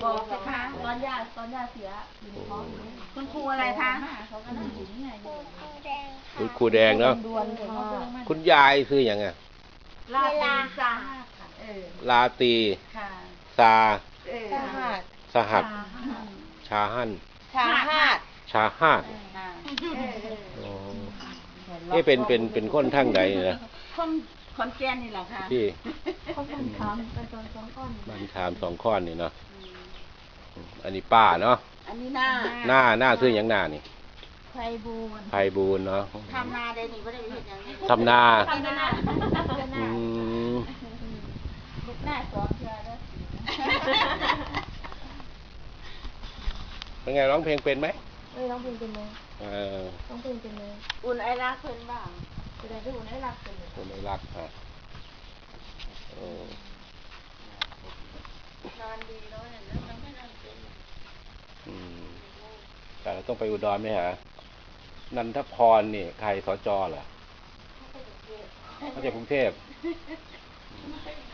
บอกสิคะตอนย่าเสียอยู่ในท้องอยู่คุณครูอะไรคะเขาก็นั่งอยู่นี่ไงคุณครูแดงเนาะคุณยายคืออย่างไงลาซาลาตีซาสหัสชาฮั่นชาฮาดเป็นคนทั้งใดนะคนขอนแก่นนี่แหละค่ะพี่คนขามเป็นต้นสองก้อนบ้านขามสองข้อนนี่เนาะอันนี้ป้าเนาะอันนี้หน้าคืออย่างหน้านี่ไพบูลเนาะทำนาได้นี่ไม่ได้เห็นอย่างนี้ทำนาลูกหน้าสองเทือแล้วเป็นไงร้องเพลงเป็นไหมร้องเพลงเป็นไหมร้องเพลงเป็นไหมอุ่นไอรักเพิ่นบ้างแสดงที่อุ่นไอรักเป็นอุ่นไอรักฮะนอนดีแล้วเนี่ยมันไม่นอนเป็นแต่เราต้องไปอุดรไหมฮะนันทพรนี่ใครสจเหรอเขาจากกรุงเทพ